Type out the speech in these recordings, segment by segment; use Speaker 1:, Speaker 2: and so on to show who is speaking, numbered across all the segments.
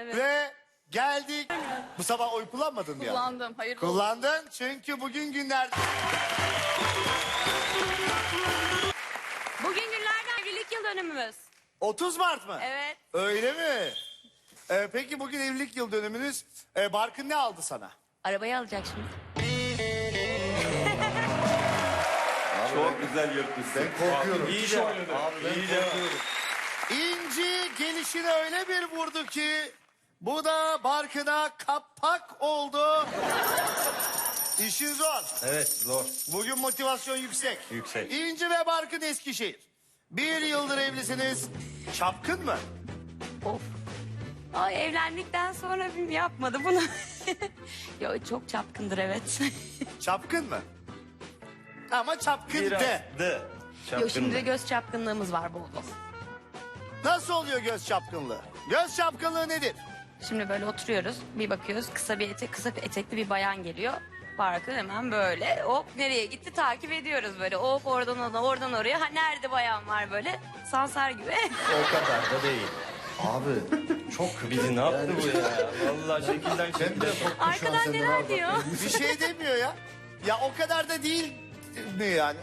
Speaker 1: Evet.
Speaker 2: Ve geldik. Bu sabah oy kullanmadın mı ya?
Speaker 1: Kullandım. Hayırlı olsun.
Speaker 2: Kullandın çünkü bugün günlerden.
Speaker 1: Bugün günlerden evlilik yıl dönümümüz.
Speaker 2: 30 Mart mı?
Speaker 1: Evet.
Speaker 2: Öyle mi? Peki bugün evlilik yıl dönümünüz. Barkın ne aldı sana?
Speaker 1: Arabayı alacak şimdi.
Speaker 3: Çok güzel yırtmışsın.
Speaker 2: Korkuyorum.
Speaker 3: İyice oynadı. İyice.
Speaker 2: İnci gelişine öyle bir vurdu ki bu da Barkın'a kapak oldu. İşin zor.
Speaker 3: Evet zor.
Speaker 2: Bugün motivasyon yüksek.
Speaker 3: Yüksek.
Speaker 2: İnci ve Barkın Eskişehir. 1 yıldır evlisiniz. Çapkın mı?
Speaker 1: Of. Ay evlendikten sonra yapmadı bunu. Yo çok çapkındır evet.
Speaker 2: Çapkın mı? Ama çapkın
Speaker 3: Biraz
Speaker 2: de.
Speaker 1: Yo şimdi de göz çapkınlığımız var bol bol.
Speaker 2: Nasıl oluyor göz çapkınlığı? Göz çapkınlığı nedir?
Speaker 1: Şimdi böyle oturuyoruz bir bakıyoruz kısa bir etekli bir bayan geliyor. Barkın hemen böyle hop nereye gitti takip ediyoruz böyle hop oradan ona oradan oraya. Ha nerede bayan var böyle sansar gibi.
Speaker 3: O kadar da değil.
Speaker 4: Abi çok
Speaker 3: Bizi ne yaptı bu ya? Vallahi şekilden şekilde.
Speaker 1: Arkadan neler diyor.
Speaker 2: Bir şey demiyor ya. Ya o kadar da değil mi yani?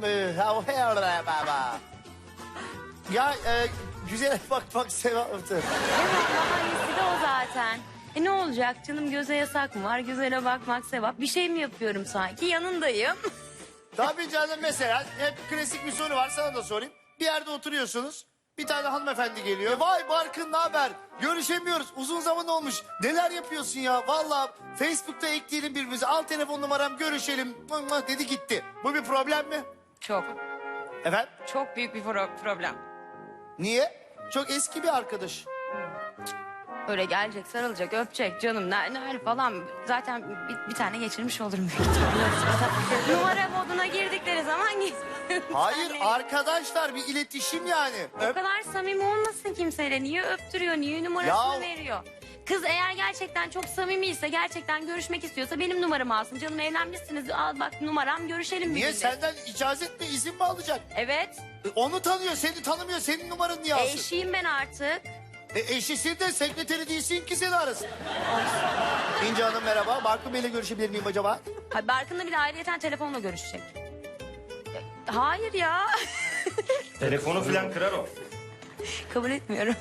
Speaker 2: Ya güzel bakmak sevaptır.
Speaker 1: Evet daha iyisi de o zaten. Ne olacak canım göze yasak mı var gözene bakmak sevap. Bir şey mi yapıyorum sanki yanındayım.
Speaker 2: Tabii canım mesela hep klasik bir soru var sana da sorayım. Bir yerde oturuyorsunuz. Bir tane hanımefendi geliyor. Vay Barkın ne haber? Görüşemiyoruz. Uzun zaman olmuş. Neler yapıyorsun ya? Vallahi Facebook'ta ekleyelim birbirimize. Al telefon numaram görüşelim. Dedi gitti. Bu bir problem mi?
Speaker 1: Çok
Speaker 2: Efendim?
Speaker 1: çok büyük bir problem.
Speaker 2: Niye? Çok eski bir arkadaş.
Speaker 1: Böyle gelecek sarılacak öpecek canım ne falan. Zaten bir tane geçirmiş olurum. büyük ihtimalle. Numara moduna girdikleri zaman
Speaker 2: Hayır arkadaşlar bir iletişim yani.
Speaker 1: O kadar samimi olmasın kimseyle. Niye öptürüyor, niye numarasını
Speaker 2: Ya-
Speaker 1: veriyor? Kız eğer gerçekten çok samimiyse, gerçekten görüşmek istiyorsa benim numaramı alsın. Canım evlenmişsiniz, al bak numaram, görüşelim
Speaker 2: Niye
Speaker 1: bir gün de.
Speaker 2: senden icazet mi izin mi alacak?
Speaker 1: Evet,
Speaker 2: Onu tanıyor seni tanımıyor senin numaranı niye alsın?
Speaker 1: eşiyim ben artık.
Speaker 2: Eşisin de sekreteri değilsin ki seni arasın. İnci Hanım merhaba. Barkın Bey'le görüşebilir miyim acaba?
Speaker 1: Ha, Barkın'la bir de ayrıyeten telefonla görüşecek. Hayır ya,
Speaker 3: Telefonu falan kırar o.
Speaker 1: kabul etmiyorum.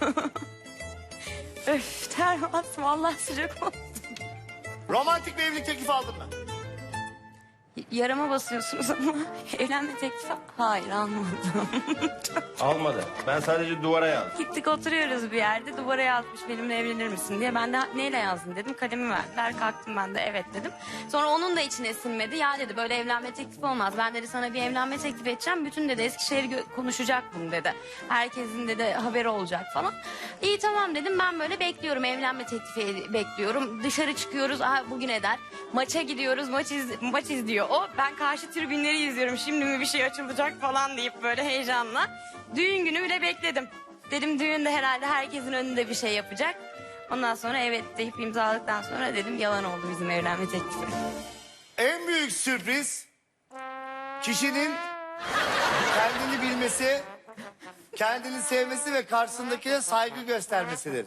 Speaker 1: Öf, ter bastım, Allah sıcak olsun.
Speaker 2: Romantik bir evlilik teklifi aldın mı?
Speaker 1: Yarama basıyorsunuz ama evlenme teklifi hayır almadım.
Speaker 3: Almadı. Ben sadece duvara yazdım.
Speaker 1: Gittik oturuyoruz bir yerde duvara yazmış benimle evlenir misin diye. Ben de neyle yazdın dedim kalemi verdiler kalktım ben de evet dedim. Sonra onun da içine sinmedi ya dedi böyle evlenme teklifi olmaz. Ben dedi sana bir evlenme teklif edeceğim bütün dedi Eskişehir konuşacak bunu dedi. Herkesin dedi haberi olacak falan. İyi tamam dedim ben böyle bekliyorum evlenme teklifi bekliyorum. Dışarı çıkıyoruz bugün eder. Maça gidiyoruz maç izliyor o. Ben karşı tribünleri izliyorum şimdi mi bir şey açılacak falan deyip böyle heyecanla. Düğün günü bile bekledim. Dedim düğünde herhalde herkesin önünde bir şey yapacak. Ondan sonra evet deyip imzaladıktan sonra dedim yalan oldu bizim evlenme teklifi.
Speaker 2: En büyük sürpriz kişinin kendini bilmesi, kendini sevmesi ve karşısındakine saygı göstermesidir.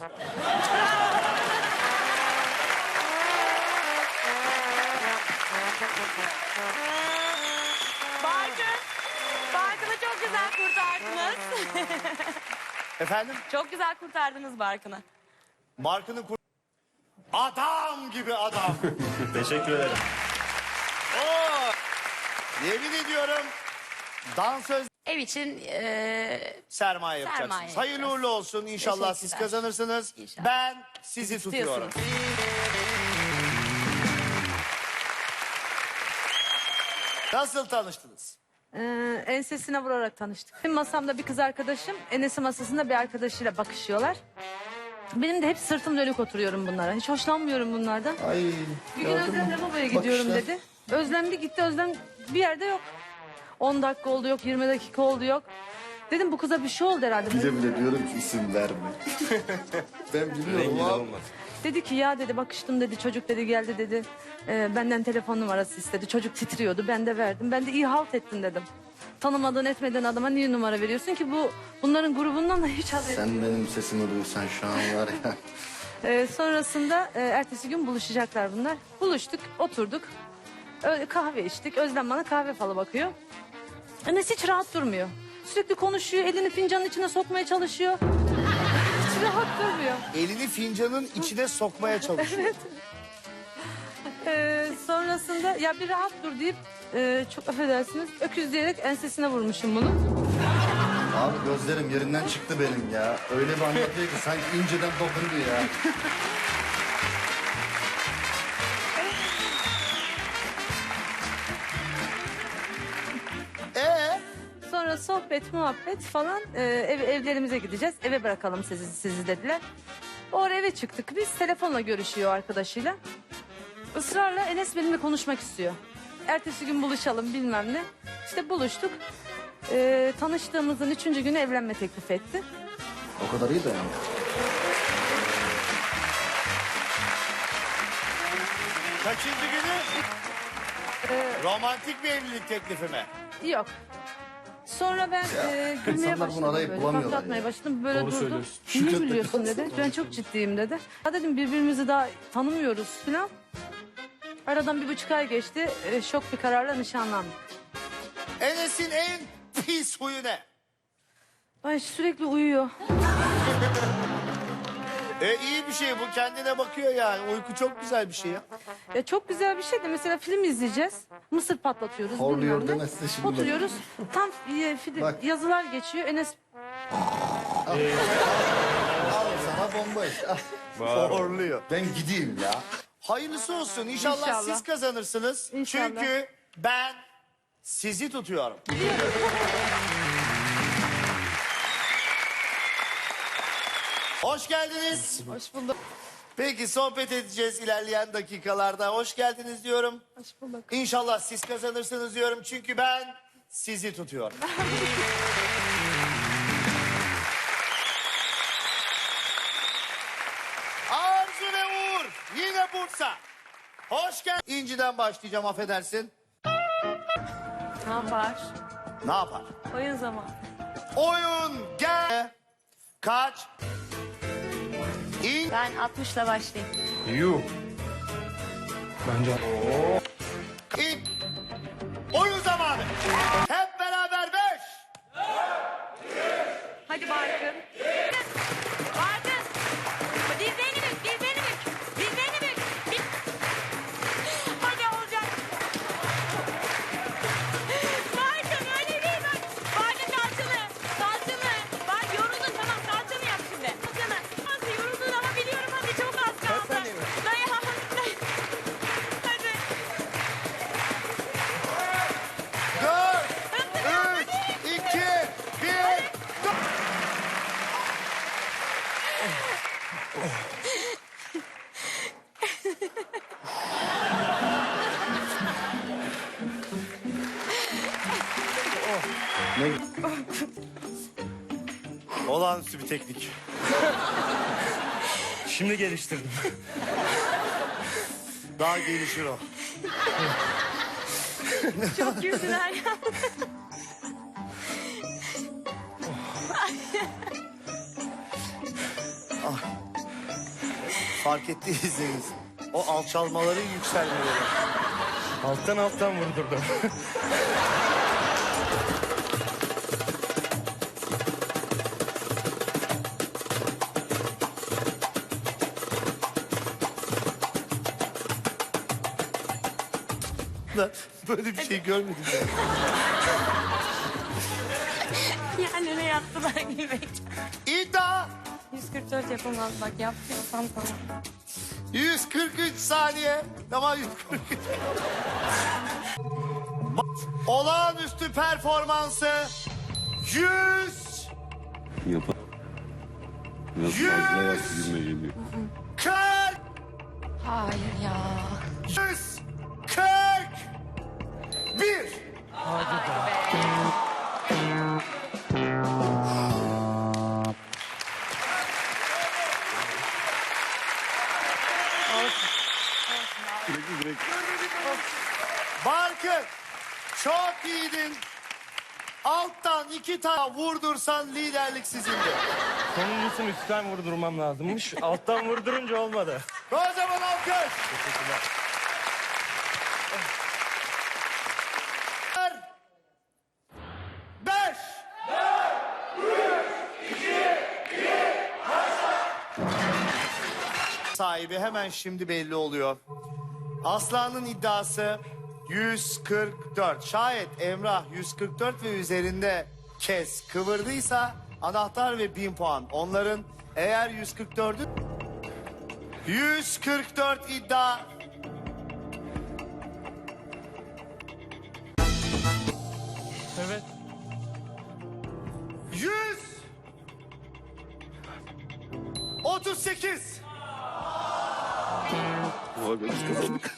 Speaker 1: Barkın'ı çok güzel kurtardınız.
Speaker 2: Efendim?
Speaker 1: Çok güzel kurtardınız Barkın'ı.
Speaker 2: Barkın'ın adam gibi adam.
Speaker 3: Teşekkür ederim.
Speaker 2: Oo! Yemin ediyorum dansöz
Speaker 1: Ev için
Speaker 2: sermaye yapacaksınız.
Speaker 1: Sermaye
Speaker 2: Hayırlı
Speaker 1: yapacağız.
Speaker 2: uğurlu olsun. İnşallah siz
Speaker 1: Teşekkürler.
Speaker 2: kazanırsınız.
Speaker 1: İnşallah.
Speaker 2: Ben sizi tutuyorum.
Speaker 1: istiyorsunuz.
Speaker 2: Nasıl tanıştınız?
Speaker 5: Ensesine vurarak tanıştık. Benim masamda bir kız arkadaşım, Enes'in masasında bir arkadaşıyla bakışıyorlar. Benim de hep sırtım dönük oturuyorum bunlara. Hiç hoşlanmıyorum bunlardan.
Speaker 4: ay
Speaker 5: Bir gün Özlem lavaboya gidiyorum
Speaker 4: Bakışlar.
Speaker 5: dedi. Özlem bir gitti, Özlem bir yerde yok. 10 dakika oldu yok, 20 dakika oldu yok. Dedim bu kıza bir şey oldu herhalde.
Speaker 4: bile bile diyorum ki isim verme. Ben biliyorum
Speaker 3: Rengi de
Speaker 4: abi.
Speaker 3: olmaz.
Speaker 5: Dedi ki ya dedi bakıştım dedi çocuk dedi geldi dedi. Benden telefon numarası istedi. Çocuk titriyordu ben de verdim. Ben de iyi halt ettin dedim. Tanımadığın etmediğin adama niye numara veriyorsun ki bunların grubundan da hiç haberi.
Speaker 4: Sen benim sesimi duysan şu an var ya.
Speaker 5: Sonrasında ertesi gün buluşacaklar bunlar. Buluştuk, oturduk. Kahve içtik. Özlem bana kahve falı bakıyor. Enes hiç rahat durmuyor. Sürekli konuşuyor, elini fincanın içine sokmaya çalışıyor. Hiç rahat durmuyor.
Speaker 2: Elini fincanın içine sokmaya çalışıyor.
Speaker 5: Sonrasında ya bir rahat dur deyip çok affedersiniz öküz diyerek ensesine vurmuşum bunu.
Speaker 4: Abi gözlerim yerinden çıktı benim ya. Öyle bir anlatıyor ki sanki inceden dokundu ya.
Speaker 5: Sonra sohbet, muhabbet falan evlerimize gideceğiz. Eve bırakalım sizi dediler. O ara eve çıktık biz. Telefonla görüşüyor arkadaşıyla. Israrla Enes benimle konuşmak istiyor. Ertesi gün buluşalım bilmem ne. İşte buluştuk. Tanıştığımızın 3. günü evlenme teklif etti.
Speaker 4: O kadar iyi de yani.
Speaker 2: Kaçıncı günü? Romantik bir evlilik teklifi mi?
Speaker 5: Yok. Sonra ben gülmeye
Speaker 4: insanlar bunu
Speaker 5: başladım
Speaker 4: arayıp
Speaker 5: böyle.
Speaker 4: bulamıyorlar
Speaker 5: Patlatmaya
Speaker 4: ya.
Speaker 5: başladım. Böyle durdum. Niye
Speaker 4: Şükretmek
Speaker 5: gülüyorsun
Speaker 4: lazım.
Speaker 5: dedi. Ben çok ciddiyim dedi. Ha dedim birbirimizi daha tanımıyoruz falan. Aradan 1,5 ay geçti. Şok bir kararla nişanlandık.
Speaker 2: Enes'in en pis huyu ne?
Speaker 5: Ay sürekli uyuyor.
Speaker 2: İyi bir şey bu, kendine bakıyor yani. Uyku çok güzel bir şey ya.
Speaker 5: Ya çok güzel bir şey de mesela film izleyeceğiz. Mısır patlatıyoruz.
Speaker 4: Horluyor
Speaker 5: bilmem ne.
Speaker 4: demezse şimdi.
Speaker 5: Oturuyoruz. Tam
Speaker 4: Bak.
Speaker 5: yazılar geçiyor. Enes
Speaker 4: Al sana bomba işte.
Speaker 2: Horluyor.
Speaker 4: Ben gideyim ya.
Speaker 2: Hayırlısı olsun. İnşallah,
Speaker 5: İnşallah.
Speaker 2: siz kazanırsınız.
Speaker 5: İnşallah.
Speaker 2: Çünkü ben sizi tutuyorum. Hoş geldiniz.
Speaker 5: hoş bulduk.
Speaker 2: Peki sohbet edeceğiz ilerleyen dakikalarda. Hoş geldiniz diyorum.
Speaker 5: Hoş bulduk.
Speaker 2: İnşallah siz kazanırsınız diyorum. Çünkü ben sizi tutuyorum. Arzu ve Uğur. Yine Bursa. Hoş geldin. İnci'den başlayacağım, affedersin.
Speaker 1: Ne yapar?
Speaker 2: Ne yapar?
Speaker 1: Oyun zamanı.
Speaker 2: Oyun gel. Kaç? İn.
Speaker 1: Ben 60'la başlayayım.
Speaker 3: Yuh. Bence
Speaker 2: İn. Oyun zamanı. Hep beraber 5.
Speaker 1: Hadi Barkın. Barkın. Dizlerini bük, dizlerini bük. Dizlerini bük. Hadi olacak. Barkın öyle değil bak. Barkın kalçalı. Kalçalı. Bak yoruldun tamam kalçalı yap şimdi. Kalçalı. Nasıl yoruldun ama biliyorum hadi çok az kaldı. Dayan. Hadi.
Speaker 2: 4, 3, 2, 1. Olağanüstü bir teknik.
Speaker 3: şimdi geliştirdim.
Speaker 2: Daha gelişir o.
Speaker 1: Çok güldüler ya.
Speaker 2: Fark ettiyseniz o alçalmaların yükselmeleri.
Speaker 3: Alttan vurdurdum.
Speaker 2: Böyle bir şey görmedim ben.
Speaker 1: Yani ne yaptılar gülmek.
Speaker 2: İddia
Speaker 1: 144 yapamaz bak yaptıysam tamam.
Speaker 2: 143 saniye. Tamam 143. Olağanüstü performansı 100.
Speaker 6: Yapar. Biraz
Speaker 2: Yüz!
Speaker 6: fazla yaptı gibime geliyor.
Speaker 2: 40.
Speaker 1: Hayır ya.
Speaker 2: 141. Barkın çok iyiydin. Alttan 2 tane vurdursan liderlik sizindi.
Speaker 3: Sonuncusunu üstten vurdurmam lazımmış. Alttan vurdurunca olmadı.
Speaker 2: Kocaman alkış. Beş. Sahibi hemen şimdi belli oluyor. Aslan'ın iddiası 144. Şayet Emrah 144 ve üzerinde kez kıvırdıysa anahtar ve 1000 puan. Onların eğer 144'ü 144 iddia.
Speaker 3: Evet.
Speaker 2: 138.
Speaker 6: Abi biz kazandık.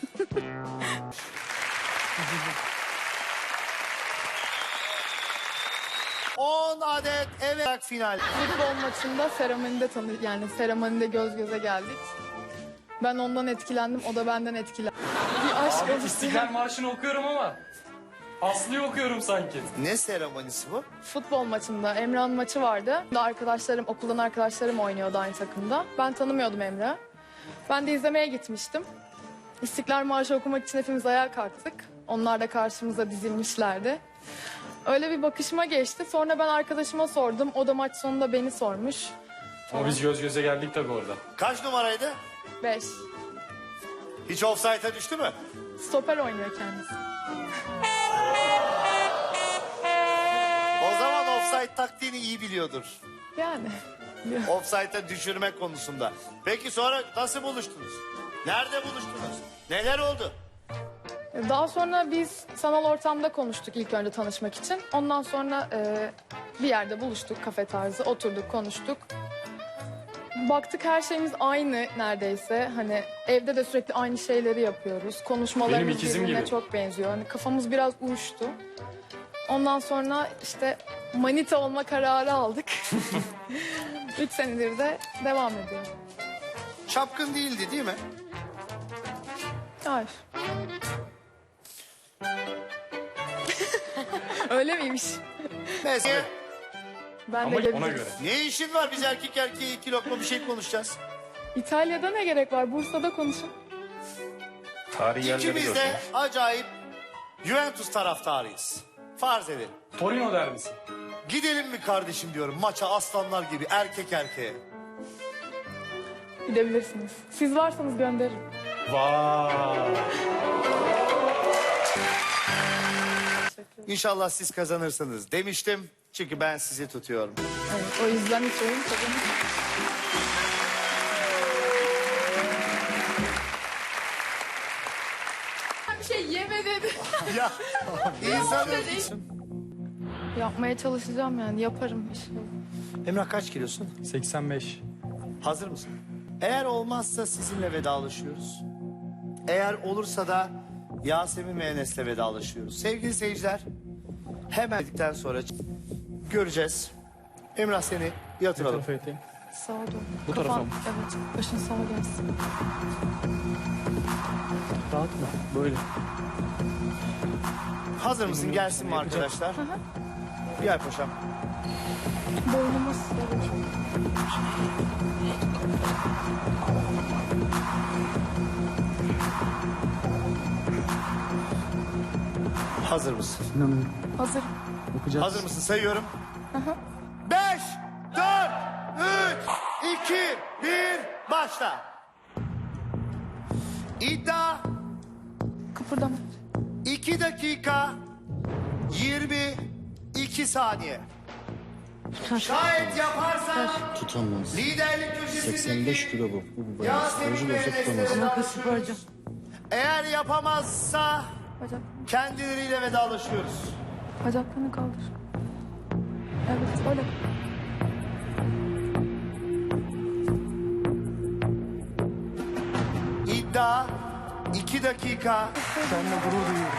Speaker 2: On adet evet final.
Speaker 7: Futbol maçında seremonide göz göze geldik. Ben ondan etkilendim, o da benden etkilendi. Bir aşk oluştu.
Speaker 8: İstiklal Marşı'nı okuyorum ama Aslı'yı okuyorum sanki.
Speaker 2: Ne seremonisi bu?
Speaker 7: Futbol maçında Emrah'ın maçı vardı. Okuldan arkadaşlarım oynuyordu aynı takımda. Ben tanımıyordum Emrah'ı. Ben de izlemeye gitmiştim. İstiklal Marşı okumak için hepimiz ayağa kalktık. Onlar da karşımıza dizilmişlerdi. Öyle bir bakışma geçti. Sonra ben arkadaşıma sordum. O da maç sonunda beni sormuş.
Speaker 8: Ama biz göz göze geldik tabii orada.
Speaker 2: Kaç numaraydı?
Speaker 7: 5.
Speaker 2: Hiç offside'a düştü mü?
Speaker 7: Stoper oynuyor kendisi.
Speaker 2: O zaman offside taktiğini iyi biliyordur.
Speaker 7: Yani.
Speaker 2: Offside'a düşürme konusunda. Peki sonra nasıl buluştunuz? Nerede buluştunuz? Neler oldu?
Speaker 7: Daha sonra biz sanal ortamda konuştuk ilk önce tanışmak için. Ondan sonra bir yerde buluştuk, kafe tarzı, oturduk, konuştuk. Baktık her şeyimiz aynı neredeyse. Hani evde de sürekli aynı şeyleri yapıyoruz.
Speaker 8: Benim
Speaker 7: Konuşmalarımız
Speaker 8: ikizim
Speaker 7: birbirine
Speaker 8: gibi.
Speaker 7: çok benziyor. Hani kafamız biraz uyuştu. Ondan sonra işte manita olma kararı aldık. 3 senedir de devam ediyor.
Speaker 2: Çapkın değildi değil mi?
Speaker 7: Hayır. Öyle miymiş?
Speaker 2: Mesela
Speaker 7: Ben
Speaker 8: Ama
Speaker 7: de
Speaker 8: ona
Speaker 7: gelebilirim.
Speaker 8: göre.
Speaker 2: ne işin var? Biz erkek erkeğe 2 lokma bir şey konuşacağız.
Speaker 7: İtalya'da ne gerek var? Bursa'da konuşun.
Speaker 3: Tarihi yerleri
Speaker 2: İkimiz
Speaker 3: görsün.
Speaker 2: de acayip Juventus taraftarıyız. Farz edelim.
Speaker 8: Torino derbisi.
Speaker 2: Gidelim mi kardeşim diyorum maça aslanlar gibi erkek erkeğe.
Speaker 7: Gidebilirsiniz. Siz varsanız gönderirim.
Speaker 8: Vay.
Speaker 2: İnşallah siz kazanırsınız demiştim. Çünkü ben sizi tutuyorum.
Speaker 7: Evet, o yüzden hiç oyun kazanır. Bir şey yeme dedi.
Speaker 2: Ya insan...
Speaker 7: Yapmaya çalışacağım yani yaparım inşallah.
Speaker 2: Emrah kaç kilosun?
Speaker 8: 85.
Speaker 2: Hazır mısın? Eğer olmazsa sizinle vedalaşıyoruz. Eğer olursa da Yasemin ve Enes'le vedalaşıyoruz. Sevgili seyirciler, hemen dedikten sonra göreceğiz. Emrah seni yatıralım.
Speaker 7: Sağa doğru.
Speaker 8: Bu tarafa mı?
Speaker 7: Evet, başın sağa gelsin.
Speaker 8: Dağıtma. Böyle.
Speaker 2: Hazır mısın? Gelsin mi arkadaşlar? Gel paşam.
Speaker 7: Boynumuz.
Speaker 2: Hazır mısın?
Speaker 7: Hazır.
Speaker 2: Hazır mısın? Sayıyorum. 5, 4, 3, 2, 1, başla. İddia
Speaker 7: Kıpırdama.
Speaker 2: 2 dakika 22 saniye. Şayet yaparsan
Speaker 4: Tutamaz.
Speaker 2: liderlik köşesindeki
Speaker 4: 85 kilo bu. Bu bayağı.
Speaker 2: Yasemin
Speaker 4: Sporcu
Speaker 2: ve
Speaker 4: da olsa
Speaker 2: Enes'le
Speaker 4: tutamaz.
Speaker 2: vedalaşıyoruz. Eğer yapamazsa
Speaker 7: Bacak,
Speaker 2: kendileriyle vedalaşıyoruz.
Speaker 7: bacaklarını kaldır. Evet, öyle.
Speaker 2: İddia 2 dakika.
Speaker 8: Seninle gurur duyuyorum.